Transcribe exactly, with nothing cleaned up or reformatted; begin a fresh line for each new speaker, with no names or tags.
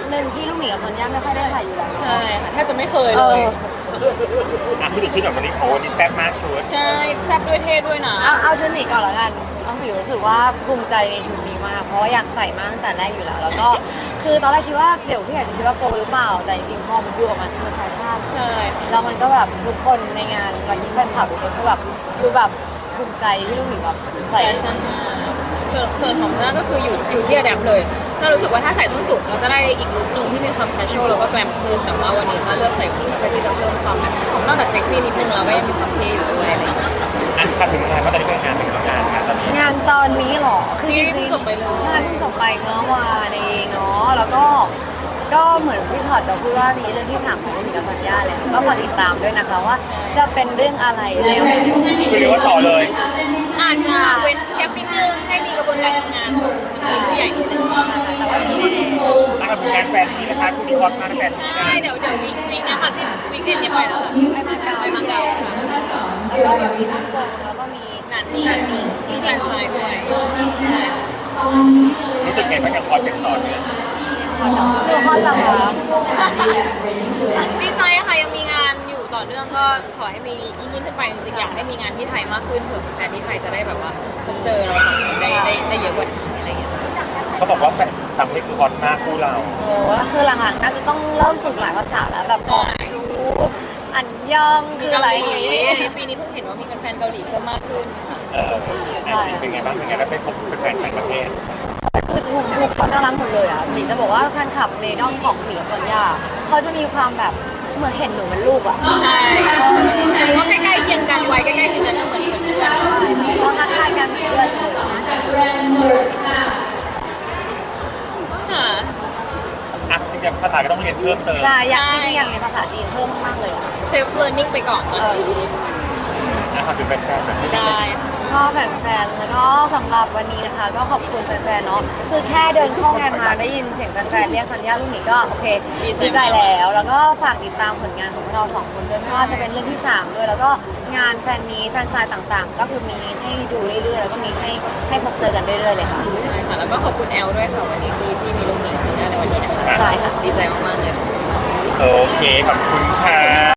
คหนึ่งที่ลูกหมีกับซอนย่าไม่ค่อยได้ใส่อยู่แล้ว
ใช่ค่ะแทบจะไม่เคย
เอ
เลย
อ
อ่ะพูดถึงชุดแบบวันนี้โอ้วันนี้แซ่บมากชุด
ใช่แซ่บด้วยเท่ด้วยนะ
เอาเอาชุดหมีก่อนละกันน้องผิวรู้สึกว่าภูมิใจในชุดนี้มากเพราะว่าอยากใส่มาตั้งแต่แรกอยู่แล้ว แล้วก็คือตอนแรกคิดว่าเดี๋ยวพี่อาจจะคิดว่าโปรหรือเปล่าแต่จริงๆพอมันดูออกมาคือมันแฟชั่น
ใช่ค่ะ
แล้วมันก็แบบทุกคนในงานวันนี้แฟนคลับทุกคนก็แบบคือแบบภูมิใจที่ลูกหมีแบบ
แฟ
ใส่
ชั่นมากส่วนส่วนของหน้าก็คืออยู่อยู่ที่อะแดปเลยจะรู้สึกว่าถ้าใส่ส้นสูงเราจะได้อีกลุคหนึ่งที่มีความแคชชวลแล้วก็แกรมขึ้นแต่ว่าวันนี้ถ้าเลือกใส่คู่เพื่อที่จะเพิ่มความนอกจากเซ็กซี่นิดนึงเราก็ยังมีความเท่อยู่ด้วยอะไรอย่างเงี้ย
อ่ะถ้าถึงงานว่าตอนนี้เป็นงานเป็นงานงานตอนนี้
งานตอนนี้เหรอ
ซีรีส์เพิ่งจบไปเลย
ใช่เพิ่งจบไปเมื่อวานเองเนาะแล้วก็ก็เหมือนพี่ชอตจะพูดว่ามีเรื่องที่สามของลูกหมีกับสัญญาเลยก็ฝากติดตามด้วยนะคะว่าจะเป็นเรื่องอะไรแล้ว
คือเรียกว่าต่อเลย
อาจจะเว้นแกปนิดนึงให้มีกระบวนการทำงานของทีมผู้ใหญ่นิดนึง
แต่ว่ามีแน่
อ่ะกับงานแฟนมีนะคะคู่นี้ฮอตมากนะแฟนมี
ใช่
นะ
เดี๋ยวเดี๋ยววีควีคเนี้ยค่ะสิ้นวีคเอ็นเนี่ยไปแล้วค่ะ
ๆไปมาเก๊า
ไปมาเก๊าค่ะ
แล้วก็เดี๋ยวมีฮ่องกงแล้วก็มี
งานนี้มีแฟนไซด์ด้วยใช่
รู้สึกไงบ้างกับฮอตอย่างต่อเนื่อง
คือฮอตเหรอคะ
ดีใจค่ะยังมีงานอยู่ต่อเนื่องก็ขอให้มียิ่งยิ่งขึ้นไปจริงๆอยากให้มีงานที่ไทยมากขึ้นเผื่อแฟนที่ไทยจะได้แบบว่าพบเจอเราสองคนได้ได้ได้เยอะกว่านี้อะไรอย่างเงี้ย
เขาบอกว่าแฟนต่างประเทศคือฮอตมากคู่เรา
โอ้คือหลังๆน่าจะต้องเริ่มฝึกหลายภาษาแล้วแบบบอกชูอันยองคืออะไรอย่างงี้
ปีนี้เพิ่งเห็นว่ามีแฟนๆเกาหลีเพิ่มมากขึ้นค่ะ
เออแอนซีเป็นไงบ้างเป็นไงแล้วไปพบแฟนต่างประเทศ
คือทุกทุกคนน่ารักหมดเลยอ่ะหมีจะบอกว่าแฟนคลับในด้อมของหมีกับซอนยาเขาจะมีความแบบเหมือนเห็นหนูเป็นลูกอ่ะ
ใช่ถือว่าใกล้ๆเคียงกันวัยใกล้ๆเคียงกันก็เหมือนเหมือนเพื่อน
เขาทักทายกันเหมือนเพื่อนเลย
ค่ะ
อ่ะจริงๆภาษาก็ต้องเรียนเพิ่มเติม
ใช่อยากจริงๆอยากเรียนภาษาจีนเพิ่มมากๆเลยอ่ะ
เซลฟ์เลิร์นนิ่งไปก่อนตอนนี้
นะครับคือแฟนๆแบบนี้
ได้
ชอบแฟนๆแล้วก็สำหรับวันนี้นะคะ ก็ขอบคุณแฟนๆเนาะคือแค่เดินเข้างานมาได้ยินเสียงแฟนๆเรียกสัญญาลูกหมีก็โอเคดีใจแล้ว แล้วก็ฝากติดตามผลงานของพวกเราสองคนด้วยไม่ว่าจะเป็นเรื่องที่สามด้วยแล้วก็งานแฟนมีแฟนซายต่างๆ ก็คือมีให้ดูเรื่อยๆแล้วก็มีให้ให้พบเจอกันเรื่อยๆเลยค่ะ
ใช่ค่ะแล้วก็ขอบคุณแอลด้วยค่ะวันนี้ที่ที่มีลูกหมีจีน่าในวันนี้นะคะ
ใช่ค่ะ
ดีใจมากๆเลย
โอเคขอบคุณค่ะ